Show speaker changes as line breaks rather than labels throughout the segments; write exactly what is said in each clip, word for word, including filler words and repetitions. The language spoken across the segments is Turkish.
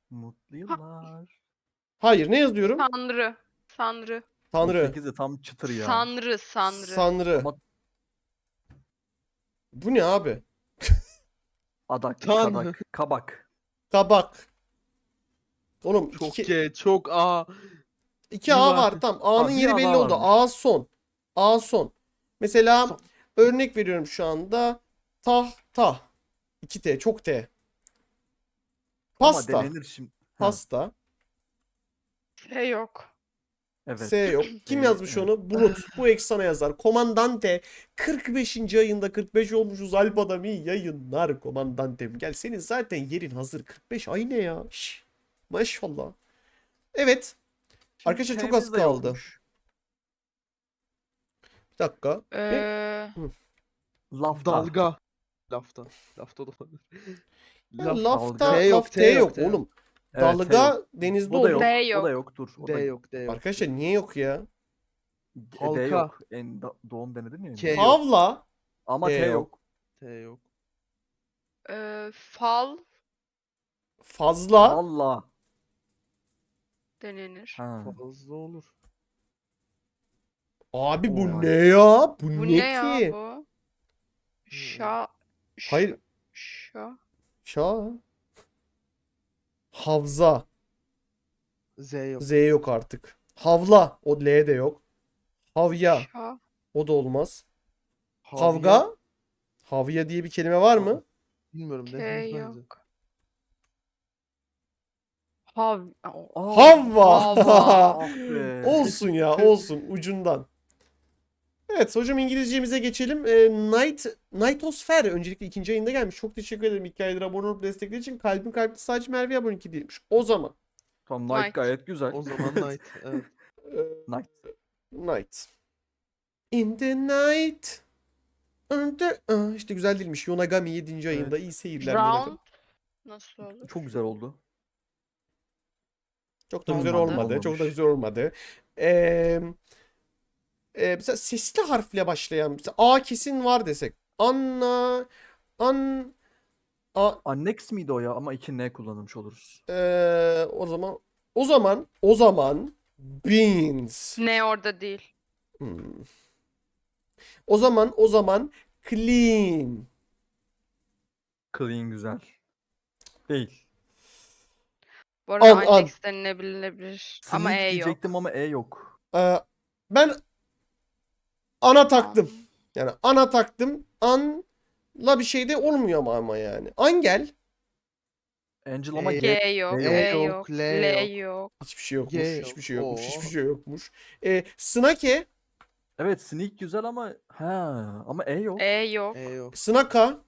Mutlu yıllar.
Hayır, ne yazıyorum?
Tanrı. Tanrı.
Tanrı.
sekiz de tam çıtır ya.
Sanrı. Sanrı.
Sanrı.
Ama
Bu ne abi?
adak,
Tanrı.
kadak, kabak.
Kabak. Oğlum
Çok
iki,
G, çok A.
iki A
Yuva.
var. Tamam. A'nın
Aa, bir
yeri
A
belli
daha
oldu.
varmış.
A son. A son. Mesela
Son.
örnek veriyorum şu anda. Tahta. iki T. Çok T. Pasta.
Ama denenir şimdi. Ha,
Pasta.
Şey yok.
evet.
S yok. Kim
Ee,
yazmış
evet.
onu? Bulut. Bu ek sana yazar. Komandante. kırk beşinci ayında kırk beş olmuşuz. Alp Adami yayınlar komandantem. Gel senin zaten yerin hazır. kırk beş ay ne ya? Şş. Maşallah. Evet.
Şimdi
Arkadaşlar çok az
T'miz de
kaldı.
yokmuş.
Bir dakika.
Ee,
Lafta.
Dalga. Lafta. Lafta da olabilir.
Ya
Laf.
lafta,
T yok,
laf
T
T
yok,
yok
T yok.
oğlum.
Evet, T
Dalga
yok.
denizde
Bu da yok.
olur.
D
O da
yok.
yok. Dur. O
D
da
yok, D yok.
Arkadaşlar niye yok ya?
D
Halka.
yok. En da- doğum denedin ya.
K yok.
Havla.
Ama
T
T
yok.
yok.
T yok.
Ee, fal
Fazla.
Valla.
denenir.
Ha.
Fazla olur.
Abi bu
Oy.
ne ya? Bu,
Bu
ne
ne ya
ki?
bu? Şa. ş-
Hayır.
Şa.
Şa. Havza.
Z yok.
Z yok artık. Havla. O L de yok. Havya.
Şa.
O da olmaz.
Havya.
Kavga. Havya diye bir kelime var mı?
Bilmiyorum
K
ne.
yok. Hav. o-
Aa,
Havva.
Hava.
ah be.
Olsun ya, olsun ucundan. Evet hocam, İngilizcemize geçelim. Ee, Night, Nightosfer öncelikle ikinci ayında gelmiş. Çok teşekkür ederim iki aydır abone olup destekleri için. Kalbim kalpte sadece Merve aboneki değilmiş. O zaman.
Tamam, Night
Night.
gayet güzel.
O zaman Night. Evet.
e,
Night.
Night. In the night. Under... Aa, işte güzel değilmiş. Yonagami yedinci
Evet.
ayında. İyi seyirler. Yonagami.
Round. Nasıl olur?
Çok güzel oldu.
Çok da güzel
Olmadı.
olmadı. Çok da
Olmamış.
güzel olmadı. Ee, e, mesela sesli harfle başlayan. Mesela A kesin var desek. Anna. An. A,
Annex miydi o ya? Ama iki N kullanmış oluruz.
Ee, o zaman o zaman o zaman beans.
Ne orada değil.
Hmm. O zaman o zaman clean.
Clean güzel. Değil.
Bu arada
An, an.
Annex denilebilir. Ama
Sneak
E yok.
diyecektim ama E yok.
Ee, ben ana taktım.
An.
Yani ana taktım. Anla bir şey de olmuyor ama ama yani. Angel.
Angel ama
E-
G.
G yok.
E
E
yok,
yok.
L
L
yok.
yok.
Hiçbir şey yokmuş.
G yok.
Hiçbir şey yokmuş.
Oo.
Hiçbir şey yokmuş. Ee, Snake.
Evet, Sneak güzel ama ha ama E yok.
E yok.
E yok.
Snaka.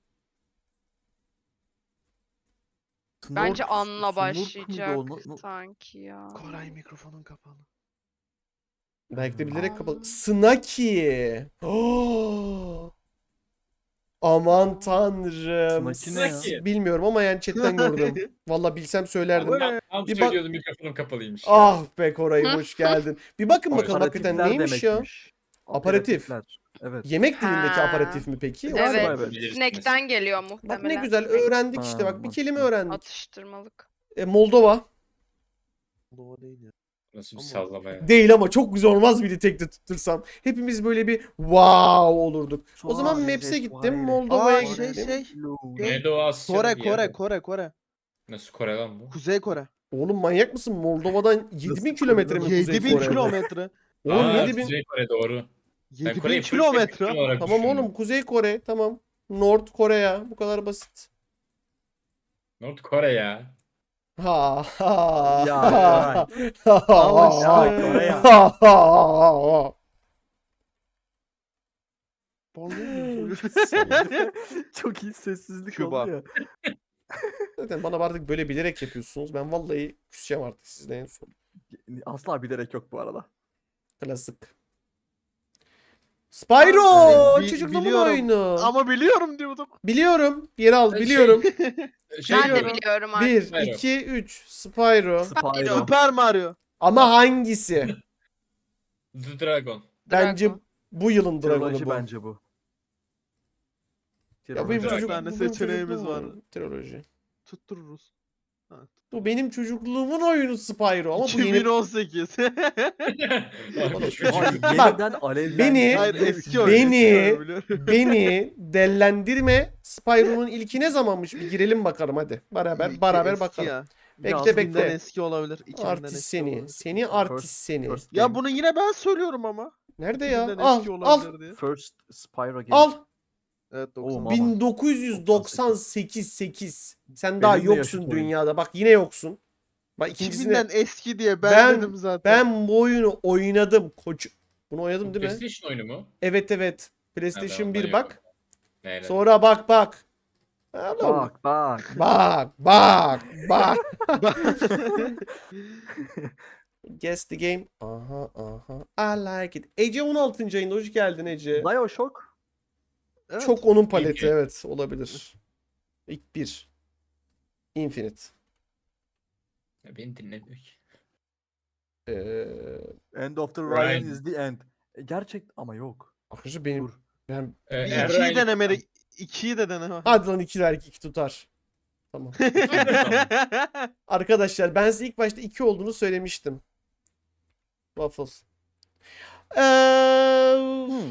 Bence
Snork-
An'la
Snork muydu
başlayacak
o? No- no-
sanki ya.
Koray mikrofonun kapalı.
Belki de bilerek
An.
kapalı. Snaki. Oh! Aman tanrım.
Snaki ne ya?
Snaki.
Bilmiyorum ama yani chatten gördüm. Valla bilsem söylerdim.
Abi,
Ben tam
Bir bak-
söylüyordum mikrofonum kapalıymış.
Ah be Koray, hoş geldin. Bir bakın
Hoş.
bakalım hakikaten neymiş ya?
demekmiş.
Aperatif.
Aperatifler. Evet.
Yemek dilindeki
Ha.
aperatif mi peki?
Evet.
Galiba evet.
Bilirsiniz.
Snack'ten geliyor
Bak
muhtemelen.
ne güzel öğrendik işte,
Ha,
bak bir kelime
mantıklı.
öğrendik.
Atıştırmalık.
E, Moldova.
Doğru değil ya.
Nasıl bir
Ama-
sallama ya.
Değil ama çok güzel olmaz mıydı tekte tuttursam? Hepimiz böyle bir wow olurduk. O zaman
Suarez,
Maps'e gittim,
Suarez.
Moldova'ya
Aa,
gittim.
şey, şey.
Neydi o Asya'da
Kore,
bir
Kore,
yer?
Kore, Kore.
Nasıl Kore lan bu?
Kuzey Kore.
Oğlum manyak mısın? Moldova'dan yedi bin
Nasıl
kilometre mi
Kore'den?
Kuzey
yedi bin
Kore?
kilometre.
Oğlum
Aa,
yedi bin.
Kuzey Kore doğru. Ben
yedi bin
Kore'yi full
kilometre.
spesifik olarak
Tamam
düşündüm.
oğlum, Kuzey Kore tamam. North Kore ya, bu kadar basit.
North Kore ya.
Ha ha.
Ya,
ha,
Koray.
ha,
Al
ha,
işte.
Ya, Kore ya.
ha, ha, ha.
Çok iyi sessizlik
Küba.
oldu ya.
Zaten bana artık böyle bilerek yapıyorsunuz. Ben vallahi küseceğim artık sizden en son.
Asla bilerek yok bu arada.
Klasik. Spyro!
Aa, bi-
Çocukluğumun
biliyorum.
oyunu.
Ama biliyorum diyordum.
Biliyorum. Bir yere al.
Şey-
Biliyorum.
Şey
Ben de
diyorum.
biliyorum artık.
Bir,
Spyro.
iki, üç. Spyro.
Spyro.
Super Mario.
Ama hangisi?
The Dragon.
Bence
Dragon.
bu yılın dragonu
Triloji
bu.
bence bu.
Ya benim
Dragon.
çocuk,
Bir tane
bu benim
seçeneğimiz
çocukluğum
var.
oyunu. Triloji.
Tuttururuz.
Bu benim çocukluğumun oyunu Spyro ama bu yeni...
iki bin on sekiz.
Abi, şu
Ay,
çocuk-
Bak,
yeniden alevlendi.
beni-
Hayır
Ve
eski
üçüncü-
oyun.
Beni-
eski oyun biliyorum.
Beni dellendirme. Spyro'nun ilki ne zamanmış? Bir girelim bakalım hadi. Beraber
İlki
beraber
eski
bakalım.
ya.
Bekle,
iki binden
bekle.
eski olabilir. iki binden
Artist
eski
seni.
olabilir.
Seni artist
First-
seni.
first
Ya
game.
bunu yine ben söylüyorum ama.
Nerede
iki
ya?
binden
Al
eski
al
olabilir diye.
First Spyro game.
al.
Evet
Oo,
doksan.
mama.
bin dokuz yüz doksan sekiz sekiz. Sen
Benim
daha
de yaşıt
yoksun
oyun.
dünyada. Bak yine yoksun. Bak ikincisinde
iki binden eski diye ben,
Ben-
dedim zaten.
ben bu oyunu oynadım. Koç. Bunu oynadım değil mi?
PlayStation oyunu mu?
Evet evet.
Ha,
PlayStation
ben
bir
ondan
bak.
yokum. Neyle?
Sonra bak bak. Oğlum,
Bak bak.
Bak bak bak. Guess the game. Aha aha. I like it. Ece on altıncı ayında hoş geldin Ece.
Bioshock.
Evet.
Çok onun paleti
İlk-
evet olabilir. İlk bir. Infinite.
Ya beni dinlemiyor ki.
Ee,
End of the
Ryan.
Ryan is the end. E, gerçek ama yok.
arkadaşlar benim
Dur.
ben
Ee,
Bir
eğer
ikiyi
aynı-
denemeli. İkiyi de deneme.
hadi lan ikiler iki tutar. Tamam. Arkadaşlar ben size ilk başta iki olduğunu söylemiştim. Waffles. Ee,
Hmm.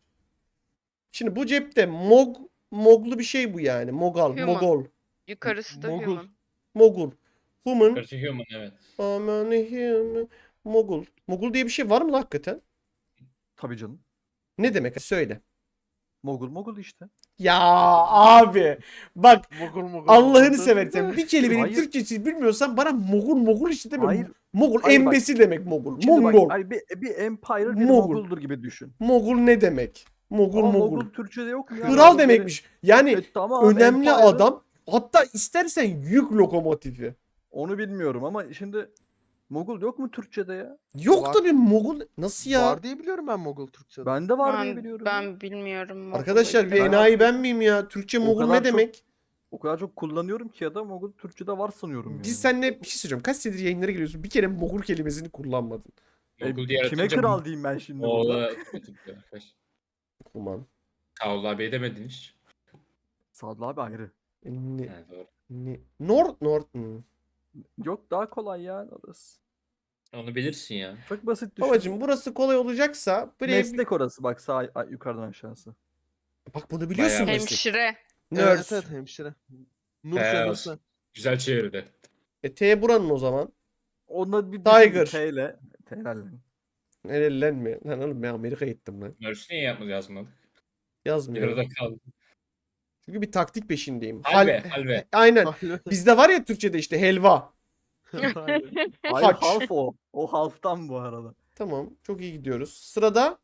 Şimdi bu cepte Mog Moglu bir şey bu yani. Mogal,
Human.
Mogol,
Yukarısı da
Mogul.
human.
Mogul. Human,
Karşı Human evet.
aman human, Mogul. Mogul diye bir şey var mı lan hakikaten?
Tabii canım.
Ne demek? Söyle.
Mogul mogul işte.
Ya abi bak
Mogul mogul.
Allah'ını
mogul.
seversen bir kelimenin
Hayır.
Türkçesini bilmiyorsan bana Mogul Mogul işte deme.
Hayır.
Mogul
Hayır bak.
embesi demek Mogul.
Şimdi bak,
Mongol.
hani bir, bir empire bir
Mogul.
moguldur gibi düşün.
Mogul ne demek? Mogul
Ama
Mogul.
mogul Türkçe'de yok mu ya?
Kral
Mogul
demekmiş. Yani
E, tamam,
önemli
empire.
adam. Hatta istersen yük lokomotifi.
Onu bilmiyorum ama şimdi mogul yok mu Türkçe'de ya?
Yok
Var.
tabii Mogul. Nasıl ya?
Var diye biliyorum ben Mogul Türkçe'de.
Bende var diye
Ben,
biliyorum. ya.
ben bilmiyorum. Mogul'u
Arkadaşlar
ilk
bir
defa.
enayi ben miyim ya? Türkçe
O
Mogul
kadar
ne
çok-
demek?
O kadar çok kullanıyorum ki ya da mogul Türkçe'de var sanıyorum yani.
Biz seninle bir şey söyleyeceğim. Kaç senedir yayınlara geliyorsun? Bir kere Mogul kelimesini kullanmadın.
E,
Mogul diye
kime
yaratınca
kral diyeyim ben şimdi burada?
Moğol'a arkadaş.
Aman.
Kavla abi edemedin hiç.
Sadlı abi ayrı.
Ne,
Ha, doğru.
ne? Nord Nord. Hmm.
Yok daha kolay ya orası.
Onu bilirsin ya.
Çok basit düşün.
Babacım burası kolay olacaksa buraya...
Meslek orası bak sağ ay- yukarıdan aşağısı.
Bak bunu biliyorsun
Bayağı.
meslek.
Hemşire.
Nurse.
Evet evet hemşire. Nur
He,
senesi.
Güzel çevirdi.
E T buranın o zaman.
Onda bir
Tiger.
T ile. T'lerle.
Nerelilenme. Lan oğlum ben Amerika'ya gittim lan.
Nurse niye yapmadı yazmadık?
Yazmıyor.
Yarıda kaldı.
Çünkü bir taktik peşindeyim.
Halve,
Hal-
halve.
Aynen. Bizde var ya Türkçe'de işte helva.
Hayır
Haç.
half o. O half'tan bu arada.
Tamam. Çok iyi gidiyoruz. Sırada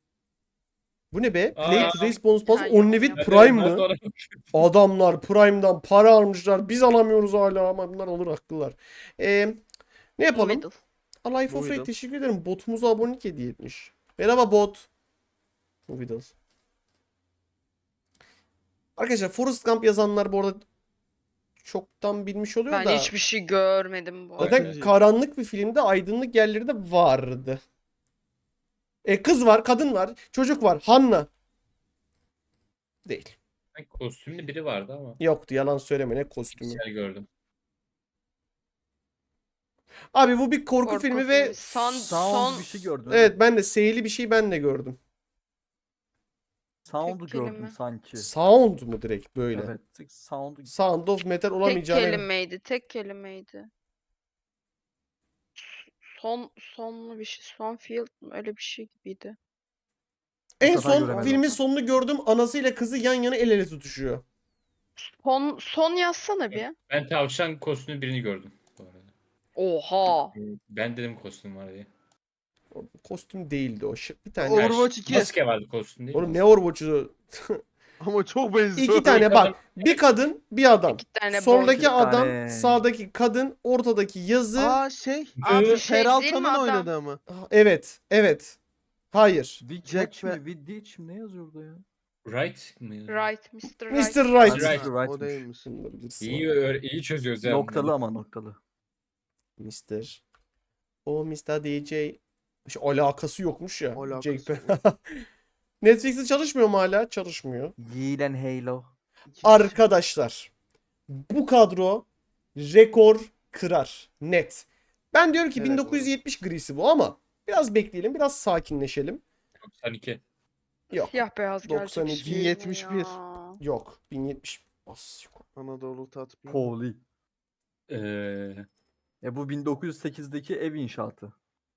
bu ne be?
Aa.
Play today's bonus pass
Ha,
only
yok,
with
yok.
Prime
Evet,
mı?
doğru.
Adamlar Prime'dan para almışlar. Biz alamıyoruz hala ama bunlar alır haklılar. Ee, ne yapalım?
Middle.
Alive for
Movidal.
Free teşekkür ederim. Botumuza abonelik hediye etmiş. Merhaba bot. Movidal. Arkadaşlar Forrest Gump yazanlar bu arada çoktan bilmiş oluyor
Ben
da.
hiçbir şey görmedim bu
Zaten
arada.
karanlık bir filmde aydınlık yerleri de vardı. E, kız var, kadın var, çocuk var. Hanna. Değil.
Sanki Kostümlü biri vardı ama.
Yoktu yalan söyleme ne kostümü.
Güzel gördüm.
Abi bu bir korku,
Korku
filmi ve
filmi. Son-
Sound
son-
bir şey gördün.
evet ben de seyirli bir şey ben de gördüm.
Sound'u
Tek
gördüm
kelime.
sanki.
Sound mu direkt böyle?
Evet. Sound'u
Sound of Metal
Tek
olamayacağını.
kelimeydi. Tek kelimeydi. Son sonlu bir şey. Son field mi? Öyle bir şey gibiydi.
En
Bu sefer
son
göremedim.
filmin sonunu gördüm. Anasıyla kızı yan yana el ele tutuşuyor.
Son son yazsana bir.
Ben tavşan kostümlü birini gördüm. Bu arada.
Oha.
Ben dedim kostüm var diye.
O kostüm değildi o. Ş- Bir tane.
Overwatch iki.
Maske vardı kostüm değil
Oğlum
mi?
ne Overwatch'u?
Ama çok benziyor.
İki tane bak. Bir kadın, bir adam.
İki tane
Soldaki
Bir
adam,
tane.
sağdaki kadın, ortadaki yazı.
Aa şey.
Abi
Ee,
şey değil mi
Peralta'nın
adam?
oynadığı mı?
Ah, Evet, evet. Hayır.
Witch
Jack
mi?
ve-
Witch mi? Ne yazıyordu ya?
Right mı?
Right, mister Right.
mister Right.
Right.
Mister
O
Right'mış.
değilmiş.
Bunu da bilirsin.
İyi, öğ- iyi çözüyoruz yani.
Noktalı ama noktalı.
mister O mister D J. Şu alakası yokmuş ya.
Alakası
Jake Pe- Netflix'te çalışmıyor mu hala? Çalışmıyor.
Yiğlen Halo.
Arkadaşlar bu kadro rekor kırar. Net. Ben diyorum ki
Evet,
bin dokuz yüz yetmiş grisi bu ama biraz bekleyelim, biraz sakinleşelim.
doksan iki.
Yok.
Siyah beyaz
doksan
gelecek
iki.
şimdi
yetmiş bir.
ya.
Yok. bin yetmiş. As, yok.
Anadolu tatmin.
Holy.
Ee,
E bu bin dokuz yüz sekizdeki ev inşaatı.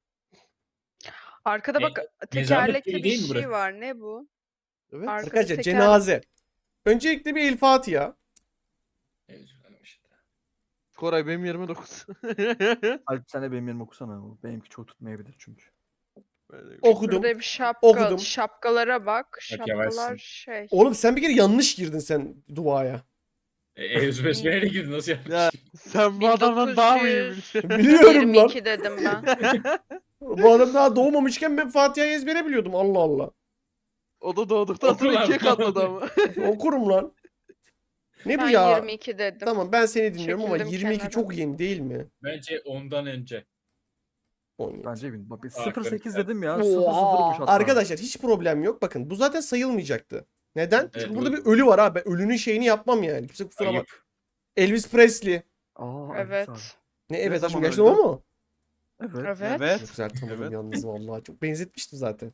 Arkada
E,
bak
Nezamet
tekerlekli
Köyü
bir
değil mi
şey
burası?
var. Ne bu?
Evet.
Arkada
Arkadaşlar
teker-
cenaze. Öncelikle bir El Fatiha.
evet, işte.
Koray benim yirmi dokuz.
Alp sen de benim yerime okusana. O benimki çok tutmayabilir çünkü.
Okudum.
Burada bir şapka.
Okudum.
Şapkalara bak.
Bak,
Şapkalar
yavaşsın.
şey.
Oğlum sen bir kere yanlış girdin sen duaya.
E, Euz Besmele'ye girdi nasıl yapmış?
Ya sen bu adamdan daha mı iyi biliyorsun?
Biliyorum lan.
yirmi iki dedim ben.
Bu adam daha doğmamışken ben Fatiha'yı ezbere biliyordum. Allah Allah.
O da doğduktan
Oku
sonra
lan.
ikiye katladı ama.
Okurum lan. Ne bu
Ben
ya?
yirmi iki dedim.
Tamam ben seni dinliyorum ama
Çekildim
yirmi iki
kenara.
çok yeni değil mi?
Bence ondan önce.
on yedi.
Bence bin. Bak
Aferin
sıfır sekiz
sen.
dedim ya. sıfır sıfırmış
Oha.
hatta.
Arkadaşlar hiç problem yok. Bakın bu zaten sayılmayacaktı. Neden?
Evet,
Çünkü
bu-
burada bir ölü var ha. Ben ölünün şeyini yapmam yani. Kimse kusura bak.
Ayıp.
Elvis Presley.
Aa,
Evet.
abi.
Ne evet
Ne
aşkım
zaman
gerçekten o
öldü?
mu?
Evet.
Evet.
Evet.
Çok güzel tanıdım
Evet.
yalnız vallahi. Çok benzetmiştim zaten.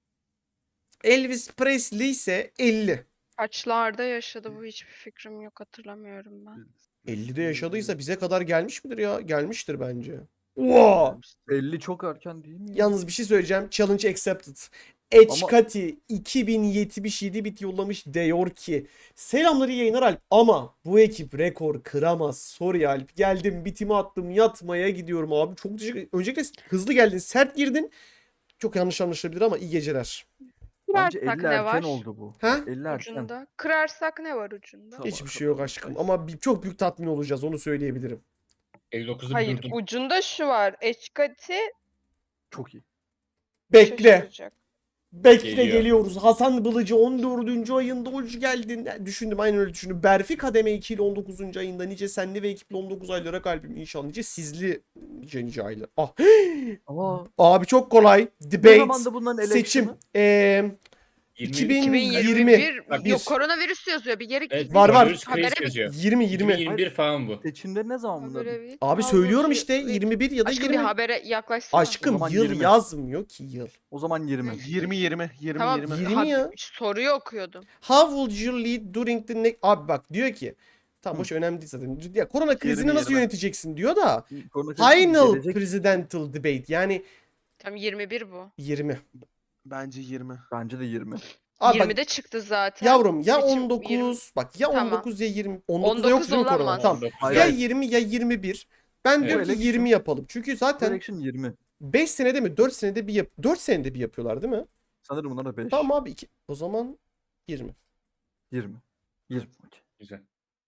Elvis Presley ise elli.
Kaçlarda yaşadı bu hiçbir fikrim yok hatırlamıyorum ben.
ellide yaşadıysa bize kadar gelmiş midir ya? Gelmiştir bence. Wow.
elli çok erken değil mi? ya?
Yalnız bir şey söyleyeceğim. Challenge accepted. Eçkati iki bin yetmiş yedi bit yollamış diyor ki selamları yayınlar Alp ama bu ekip rekor kıramaz. Sorry Alp. Geldim bitimi attım yatmaya gidiyorum abi. Çok teşekkür Öncelikle hızlı geldin sert girdin. Çok yanlış anlaşılabilir ama iyi geceler.
Bence
Kırarsak
elli
ne
erken
var?
oldu bu.
Ha?
elli erken.
Ucunda. Kırarsak ne var ucunda?
Tamam.
Hiçbir şey yok aşkım ama bir, çok büyük tatmin olacağız onu söyleyebilirim.
elli dokuzda bir
Hayır
durdum.
ucunda şu var. Eçkati
Çok iyi.
Bekle.
şaşıracak.
Bekle
Geliyor.
geliyoruz. Hasan Bılıcı on dördüncü ayında hoş geldin. Düşündüm aynen öyle düşündüm. Berfi Kademe iki ile on dokuzuncu ayında nice senli ve ekiple on dokuz aylara kalbim inşallah. Nice sizli nice nice aylar. Ah.
Ama
Abi çok kolay.
ne
Debate.
zamandı bunların
Seçim.
election'ı?
Ee,
yirmi
iki bin
iki bin
yirmi.
yirmi bir
Bak,
yok
bir.
koronavirüs yazıyor. Bir geri
Evet,
Var, var.
Virüs
Habere
Craze yazıyor.
yirmi yirmi.
iki bin yirmi bir falan bu.
Seçimleri ne zaman bunların?
habere bir-
Abi
Al
söylüyorum
bu
işte
şey-
yirmi bir ya da
Aşkım bir
yirmi.
habere yaklaşsana.
Aşkım
O zaman
yıl
yirmi.
yazmıyor ki yıl.
O zaman yirmi.
yirmi yirmi yirmi
Tamam.
yirmi.
yirmi
ha-
ya.
Soruyu okuyordum.
How would you lead during the next... Abi bak diyor ki. Tamam
Hı.
boş önemli değil zaten. Ya korona krizini
Yirmi,
nasıl
yirmi.
yöneteceksin diyor da.
Korona krizi
Final
gelecek.
presidential debate yani
Tam yirmi bir bu.
yirmi.
Bence yirmi.
Bence de yirmi.
Abi bak,
yirmide çıktı zaten.
yavrum ya
Seçim
on dokuz
yirmi.
bak ya
Tamam.
on dokuz ya yirmi. on dokuzda
on
yok
dokuz
değil mi korona?
olamaz.
Tamam.
on dokuz.
Hayır,
Ya
hayır.
yirmi ya yirmi bir. Ben diyorum ki
Evet.
yirmi yapalım. Çünkü zaten
Election yirmi.
beş senede mi dört senede bir yap dört senede bir yapıyorlar değil mi?
Sanırım bunlar da beş.
Tamam abi iki. O zaman yirmi.
yirmi. yirmi. okey.
Güzel.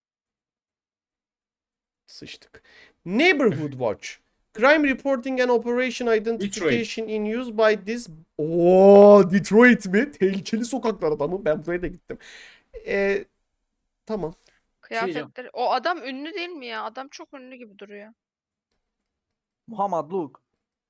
Sıçtık. Neighborhood Watch. Crime reporting and operation identification in use by this... Oo, Detroit mi? Tehlikeli sokaklar adamı. Ben buraya da gittim. Ee, tamam.
Kıyafetleri. O adam ünlü değil mi ya? Adam çok ünlü gibi duruyor.
Muhammed Luke.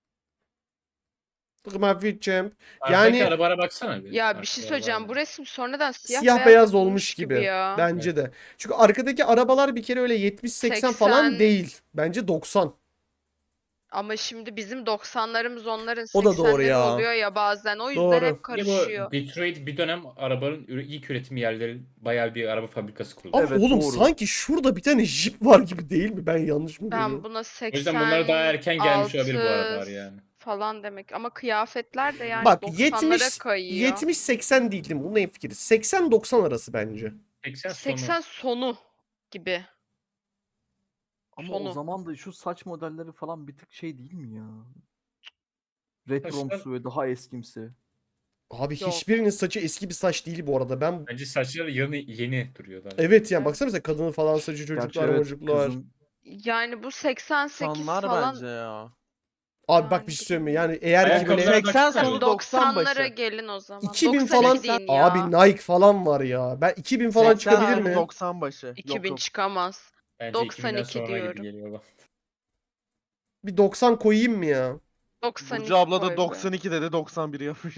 Maverick Champ.
Arkadaki
Yani-
arabara baksana bir.
Ya bir şey
Arkada
söyleyeceğim.
var
Bu
mı?
resim sonradan siyah,
Siyah
beyaz,
beyaz
yapılmış
olmuş gibi.
ya.
Bence de. Çünkü arkadaki arabalar bir kere öyle yetmiş seksen falan
seksen.
değil. Bence doksan.
Ama şimdi bizim doksanlarımız onların
O da doğru
seksenleri
ya.
oluyor ya bazen. O yüzden
Doğru.
hep
Bir de
karışıyor.
bu Detroit bir dönem arabanın üre- ilk üretim yerleri bayağı bir araba fabrikası kuruldu.
Ama
Evet,
oğlum
doğru.
sanki şurada bir tane jip var gibi değil mi? Ben yanlış mı
Ben
görüyorum?
buna
O
seksen
yüzden bunlar daha erken gelmiş olabilir bu
altı
arabalar yani.
falan demek. Ama kıyafetler de yani
Bak
doksanlara
yetmiş
kayıyor.
yetmiş seksen değildim. Bunun en fikri. seksen doksan arası bence.
seksen sonu.
seksen sonu gibi.
Ama
Sonu.
o zaman da şu saç modelleri falan bir tık şey değil mi ya? Retromsu ve daha eskimsi.
Abi
Yok.
hiçbirinin saçı eski bir saç değil bu arada. Ben
Bence saçları yeni, yeni duruyor daha.
evet yani
Evet.
baksana mesela kadının falan saçı
Gerçi
çocuklar
evet,
çocuklar.
kızın
Yani bu seksen sekiz
Sanlar
falan.
bence ya.
Abi bak
Yani
bir şey
bilmiyorum.
söyleyeyim mi? Yani eğer ki
Ayakkabılara
böyle
bak-
seksen sonu doksan
doksanlara
başı.
gelin o zaman.
iki bin
doksan
falan
iki deyin ya.
abi Nike falan var ya. Ben iki bin falan
seksen
çıkabilir
sonu
mi?
doksan başı.
iki bin
Yok yok.
çıkamaz.
Bence
doksan
iki binden
iki
sonra gibi
diyorum.
geliyor bana.
Bir doksan koyayım mı ya?
doksan iki
Burcu abla
koy
da
be.
doksan iki dedi doksan bir yapmış.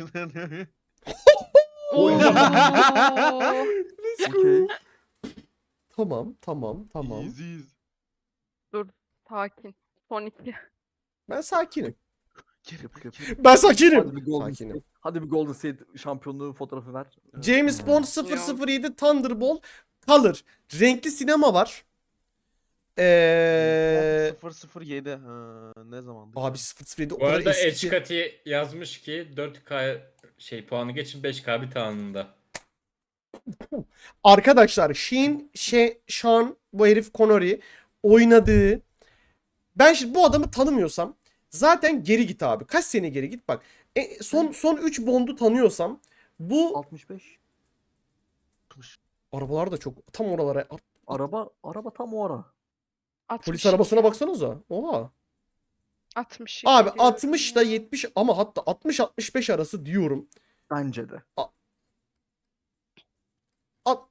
Oo.
Let's go.
okey.
Tamam tamam tamam.
Easy.
Dur. Sakin. Son iki.
Ben sakinim.
Kerim,
Yap, yap.
Kerim.
Ben
Hadi
sakinim.
bir Golden
Sakinim.
State. Hadi bir Golden State şampiyonluğu fotoğrafı ver.
James
Hmm.
Bond sıfır sıfır yedi Thunderbolt Color. Renkli sinema var. Ee,
sıfır sıfır yedi. Ha, ne zamandı?
abi sıfır sıfır yedi o
Bu
kadar
arada
eski ki.
Eçkati yazmış ki dört K şey puanı geçin beş K bir anında.
Arkadaşlar Sheen, She, Sean bu herif Connery oynadığı, ben şimdi bu adamı tanımıyorsam zaten geri git abi. Kaç sene geri git bak. E, son son üç Bond'u tanıyorsam bu
altmış beş.
arabalar da çok tam oralara.
Araba araba tam o ara.
altmış
Polis
iki.
arabasına baksanıza. Oha.
altmış iki
Abi
diyorum
altmış da
ya.
yetmiş ama hatta altmış altmış beş arası diyorum.
Bence de.
At.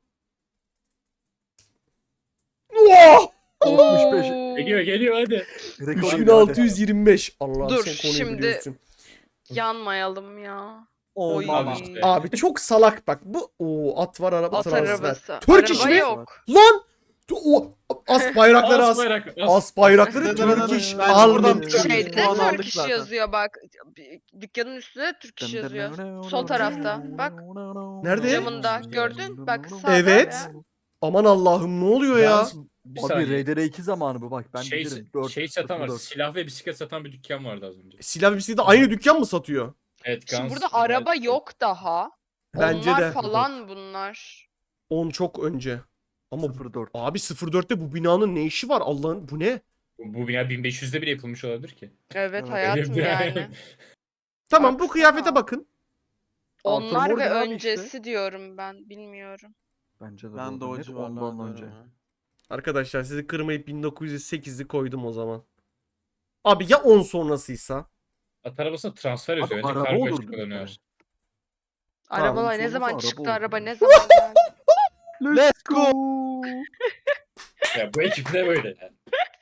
Oha!
altmış beş.
Oo.
Geliyor geliyor hadi.
Rekor
üç bin
ihlali.
altı yüz yirmi beş. Allah'ım
Dur,
sen konuyu
şimdi-
biliyorsun.
Yanmayalım ya.
Oh
Oy.
mama.
Abi işte.
Abi çok salak bak. Bu o at var araba
At
transfer.
arabası.
Türk
Araba
iş mi?
yok.
Lan! O as bayrakları as.
bayrak,
As bayrakları
As-
Türk iş
Bence
alın.
buradan
Şey-
Türk
Şeyde
puan aldık
Türk iş
zaten.
yazıyor bak. Dükkanın üstünde Türk iş yazıyor. Sol tarafta. Bak.
Nerede?
Camında. Gördün? Bak sağda
Evet.
ya.
Aman Allah'ım ne oluyor ya?
Yalnız bir
Abi
saniye.
R D R iki zamanı bu bak ben
şey,
bilirim. dört,
şey satan var.
sıfır dört.
Silah ve bisiklet satan bir dükkan vardı az önce.
Silah bisikleti aynı dükkan mı satıyor?
Evet,
Şimdi
Guns,
burada araba
evet.
yok daha.
Bence
Onlar
de.
falan bunlar.
on çok önce. Ama bu-
sıfır dört.
abi sıfır dörtte bu binanın ne işi var Allah'ın? Bu ne?
Bu, bu bina bin beş yüzde bile yapılmış olabilir ki.
Evet
Evet.
hayatım yani.
Tamam bu
Baksana.
kıyafete bakın.
Onlar
Arthur
ve
Morgan abi
öncesi
işte.
diyorum ben. Bilmiyorum.
Bence de
Ben de
bu
o
arada net
civarlarda
ondan önce.
önce.
Arkadaşlar sizi kırmayıp bin dokuz yüz sekizi koydum o zaman. Abi ya on sonrasıysa?
At arabasına transfer
Abi
yazıyor. Önce
araba
kargo
olur
açık
bir
kullanıyor.
kere.
Arabalar ne
olmasa
zaman
araba
çıktı
olur.
araba ne zaman geldi?
Let's go.
Ya bu ekip ne böyle ya?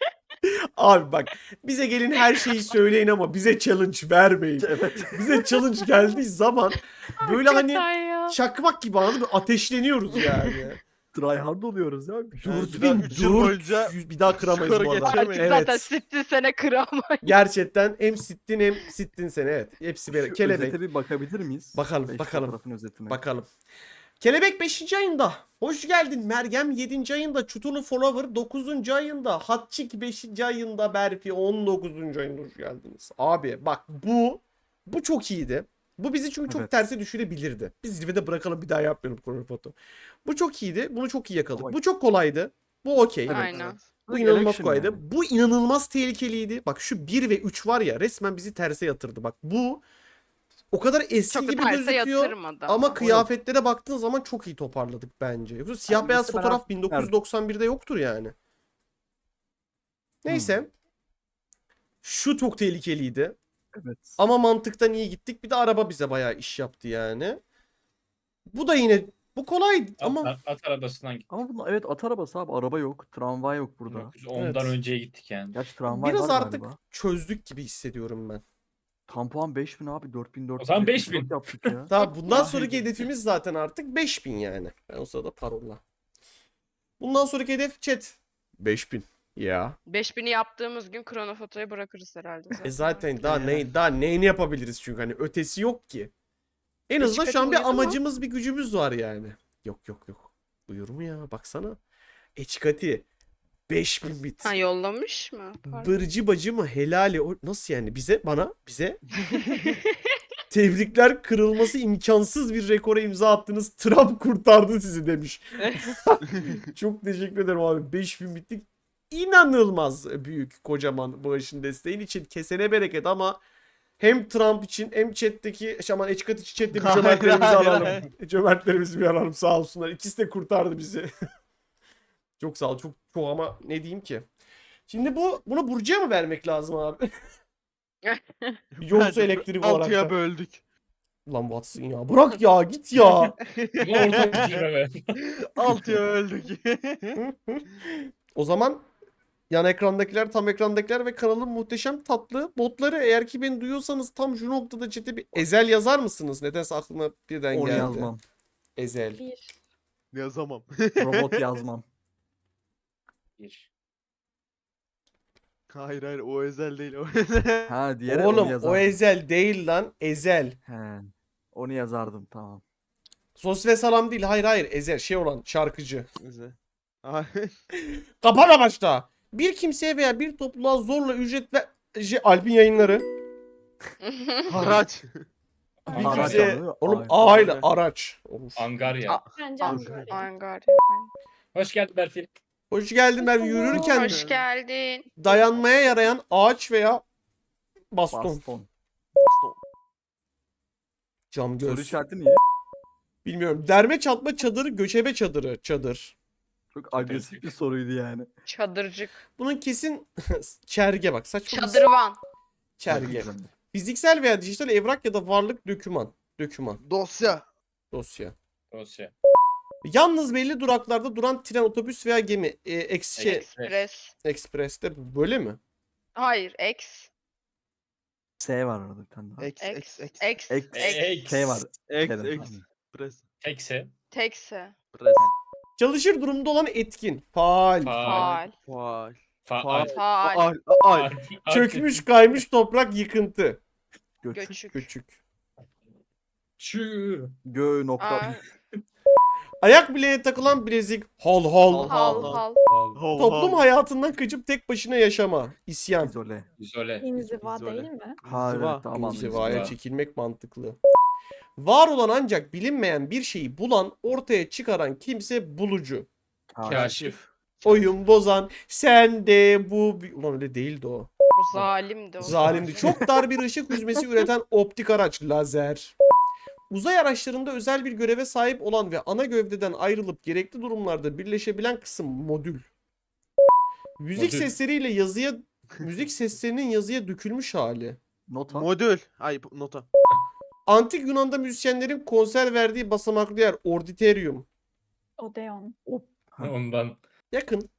Abi bak bize gelin her şeyi söyleyin ama bize challenge vermeyin.
Evet.
Bize challenge geldiği zaman böyle hani
Hakikaten ya.
çakmak gibi anladın mı? Ateşleniyoruz yani.
Tryhard oluyoruz ya.
bir daha üç yıl boyunca
dört yüz bir daha kıramayız
skoru
bu arada.
geçemeyiz.
Artık zaten
Evet.
sittin sene kıramayız.
Gerçekten hem sittin hem sittin seni evet. Hepsi böyle
Şu
kelebek.
özete bir bakabilir miyiz?
Bakalım,
Beş
bakalım.
fotoğrafın özetine.
Bakalım. Kelebek beşinci ayında. Hoş geldin. Meryem yedinci ayında. Çutulu Follower dokuzuncu ayında. Hatçik beşinci ayında. Berfi on dokuzuncu ayında hoş geldiniz. Abi bak bu bu çok iyiydi. Bu bizi çünkü çok
Evet.
terse düşürebilirdi. Biz zirvede bırakalım bir daha yapmayalım Chronofoto. Bu çok iyiydi. Bunu çok iyi yakaladık.
Ama-
Bu çok kolaydı. Bu okey.
Evet.
Aynen.
Bu inanılmaz
Election
kolaydı.
yani.
Bu inanılmaz tehlikeliydi. Bak şu bir ve üç var ya resmen bizi terse yatırdı. Bak bu o kadar eski
Çok da
gibi
terse
gözüküyor.
yatırmadı.
Ama kıyafetlere baktığın zaman çok iyi toparladık bence. Yoksa siyah
Yani
beyaz
mesela
fotoğraf
ben-
bin dokuz yüz doksan birde yoktur yani. Neyse. Şu çok tehlikeliydi.
Evet.
Ama mantıktan iyi gittik. Bir de araba bize bayağı iş yaptı yani. Bu da yine bu kolay
At,
ama
at, at arabasından gittik.
Ama bunun evet at arabası abi araba yok. Tramvay yok burada.
bin dokuz yüz ondan
Evet.
önceye gittik yani.
Gerçi tramvay
biraz
var
artık
galiba.
çözdük gibi hissediyorum ben.
Tam puan beş bin abi dört bin dört yüz
O zaman
yetmiş dört
beş bin.
yaptık ya.
Tamam bundan
Ya,
sonraki
hadi.
hedefimiz zaten artık beş bin yani. Ben o sırada parolla. Bundan sonraki hedef chat. beş bin. Ya.
beş bini yaptığımız gün kronofotoyu bırakırız herhalde.
E zaten daha
Ya.
ne daha neyini yapabiliriz çünkü hani ötesi yok ki. En azından şu an bir
Eçikati uyudu mu?
amacımız bir gücümüz var yani. Yok yok yok. Uyur mu ya baksana. Eçikati beş bin bit.
Ha yollamış mı? Pardon.
Bırcı bacı mı helali o nasıl yani bize bana bize tebrikler kırılması imkansız bir rekora imza attınız. Trump kurtardı sizi demiş. Çok teşekkür ederim abi. beş bin bittik. İnanılmaz büyük kocaman bağışın desteğin için kesene bereket ama hem Trump için hem chat'teki şaman Eçkat için chat'te bir
Hayır,
cömertlerimizi
hayır,
alalım.
hayır.
Cömertlerimizi bir alalım sağ olsunlar. İkisi de kurtardı bizi. Çok sağ ol. Çok çok ama ne diyeyim ki. Şimdi bu bunu Burcu'ya mı vermek lazım abi? Yoksa
Bence
elektrik olarak
altıya
da.
böldük.
Lan Watson ya. Bırak ya git ya.
Bunu ortak düşürme be.
altıya böldük.
O zaman yan ekrandakiler, tam ekrandakiler ve kanalın muhteşem tatlı botları eğer ki beni duyuyorsanız tam şu noktada chat'e bir ezel yazar mısınız? Nedense aklıma birden
Onu
geldi.
yazmam.
Ezel.
Bir.
Yazamam.
Robot yazmam.
Bir.
Hayır hayır o özel değil o.
Ha diğeri onu
Oğlum o
yazardım.
ezel değil lan. Ezel.
He. Onu yazardım tamam.
Sos ve salam değil. Hayır hayır. Ezel şey olan şarkıcı.
Özel. Ay,
Kapana başla. Bir kimseye veya bir topluluğa zorla ücret ve şey, Alp'in yayınları.
Haraç.
Bir
Araç
kimseye...
anladın mı?
Oğlum
Ay.
A ile araç. Of.
Angarya.
Aa,
Bence
Angarya.
Angarya.
Angarya.
Hoş geldin Berfin.
Hoş geldin ben yürürken
Hoş geldin.
dayanmaya yarayan ağaç veya baston.
Baston.
Cam
Soru
göz.
işareti niye?
Bilmiyorum. Derme çatma çadırı, göçebe çadırı. Çadır.
Çok agresif bir soruydu yani.
Çadırcık.
Bunun kesin çerge bak. Saçma bir-
Çadırvan.
Çerge. Fiziksel veya dijital evrak ya da varlık döküman. Döküman.
Dosya.
Dosya.
Dosya.
Yalnız belli duraklarda duran tren, otobüs veya gemi. E, eks, şey,
Express.
Ekspres'te böyle mi?
Hayır. X.
S var orada bir tane daha.
X X X.
X.
X.
X.
K var.
X
K'den.
X. Press.
Tekse.
Tekse.
Press.
Çalışır durumda olan etkin. Faal.
Faal.
Faal.
Faal.
Faal.
Faal.
Al. Al.
Çökmüş kaymış toprak yıkıntı.
Göçük.
Göçük.
Küçük.
Şu.
Gö nokta.
Aa.
Ayak bileğine takılan bilezik. Hal hal.
Hal.
Hal
hal.
hal.
Faal.
Toplum hayatından kaçıp tek başına yaşama. İsyan.
İzole.
İzole.
İnziva
İzole.
değil mi?
Ha
İnziva.
evet tamam.
İnzivaya
İnziva.
çekilmek mantıklı. Var olan ancak bilinmeyen bir şeyi bulan, ortaya çıkaran kimse bulucu.
Ha,
Kaşif.
Oyun bozan, sen de bu... bi- Ulan öyle değildi o.
O zalimdi o.
Zalimdi. Çok dar bir ışık hüzmesi üreten optik araç. Lazer. Uzay araçlarında özel bir göreve sahip olan ve ana gövdeden ayrılıp gerekli durumlarda birleşebilen kısım modül. Müzik
Modül.
sesleriyle yazıya... Müzik seslerinin yazıya dökülmüş hali.
Nota.
Modül. Ay nota.
Antik Yunan'da müzisyenlerin konser verdiği basamaklı yer. Orditerium.
Odeon.
Ha.
Ondan.
Yakın.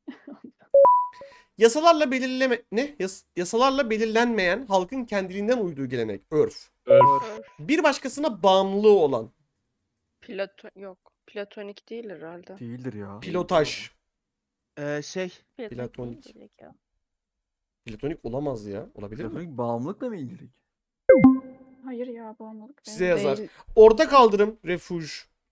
Yasalarla belirleme ne? Yas- yasalarla belirlenmeyen halkın kendiliğinden uyduğu gelenek, örf.
Örf.
Örf.
Bir başkasına bağımlılığı olan
Platon yok. Platonik değil herhalde.
Değildir ya.
pilotaj.
Ee, şey.
Platonik.
değil direkt ya.
Platonik olamaz ya. Olabilir mi?
Platonik bağımlılıkla mı ilgili?
Hayır ya bağımlılık değil.
Size yazar.
Değil.
Orta kaldırım, refuj.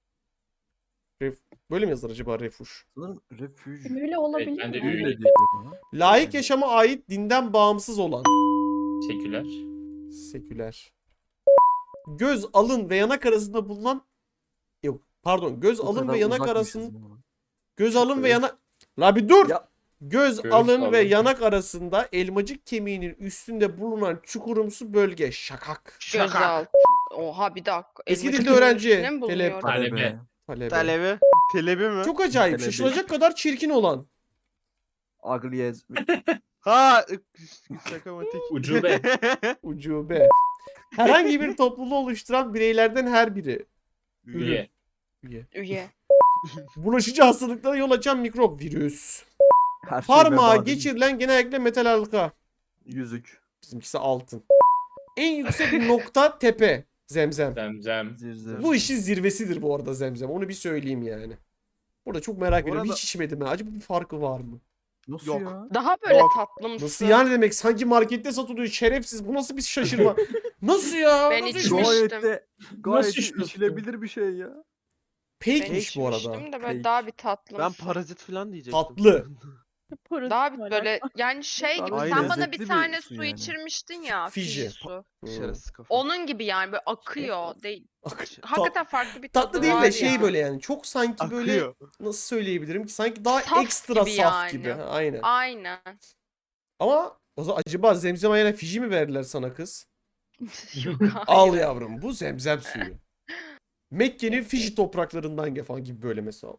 Ref Böyle mi yazar acaba refuj?
Sanırım refüj.
Öyle olabilir
ben de
mi?
öyle
geliyor bana.
Layık yaşama ait dinden bağımsız olan.
Seküler.
Seküler. Göz, alın ve yanak arasında bulunan yok pardon göz,
O
alın
kadar
ve yanak
uzakmışız
arasında
buna.
göz, alın ve
Evet.
yanak La bir dur.
Ya
Göz,
Göz,
alın ve
alın.
yanak arasında elmacık kemiğinin üstünde bulunan çukurumsu bölge. Şakak.
Gözaltı. Oha bir dakika.
Eski
Elmacık
dilde öğrenci,
üstüne mi
telep-
bulunuyor?
Talebe.
talebe.
Talebe.
Telebi. Telebi mi?
Çok acayip.
Telebi.
Şaşılacak kadar çirkin olan.
Agliyez.
Ha. Şakamatik.
Ucube.
Ucube. Herhangi bir topluluğu oluşturan bireylerden her biri.
Üye.
Üye.
Üye.
Bulaşıcı hastalıklara yol açan mikrop. Virüs.
Her şey
Parmağa
veba değil mi?
geçirilen genellikle metal halka.
Yüzük.
Bizimkisi altın. En yüksek nokta tepe. Zemzem.
Zemzem.
Zirzir.
Bu işin zirvesidir bu arada zemzem. Onu bir söyleyeyim yani. Burada çok merak
Bu
ediyorum.
arada-
Hiç içmedim ha. Acaba bir farkı var mı?
Nasıl
Yok.
ya?
Daha böyle
Yok.
tatlımsı.
Nasıl yani demek? Sanki markette satılıyor. Şerefsiz. Bu nasıl bir şaşırma? Nasıl ya?
Ben
Nasıl
içmiştim.
Gayet de gayet
Nasıl
de
içiyorsun?
içilebilir bir şey ya.
Ben
Fake'miş bu arada.
içmiştim de böyle
Fake.
daha bir tatlımsı.
Ben parazit falan diyecektim.
Tatlı.
Daha bir böyle yani şey gibi
Aynen.
sen bana
Lezzetli
bir
bir
tane
su
su
yani.
içirmiştin ya.
Fiji.
Fiji su.
Hmm.
Şerefsiz kafa.
Onun gibi yani böyle akıyor. Değil.
Ak-
Hakikaten farklı bir tadı
Tatlı değil
var
de şey
ya.
böyle yani. Çok sanki böyle
Akıyor.
nasıl söyleyebilirim ki? Sanki daha
Saf
ekstra
gibi
saf
yani.
gibi. Ha, aynen.
Aynen.
Ama o zaman acaba zemzem ayağına Fiji mi verdiler sana kız?
Yok,
Al
hayır.
yavrum bu zemzem suyu. Mekke'nin Fiji topraklarından gelen falan gibi böyle mesela.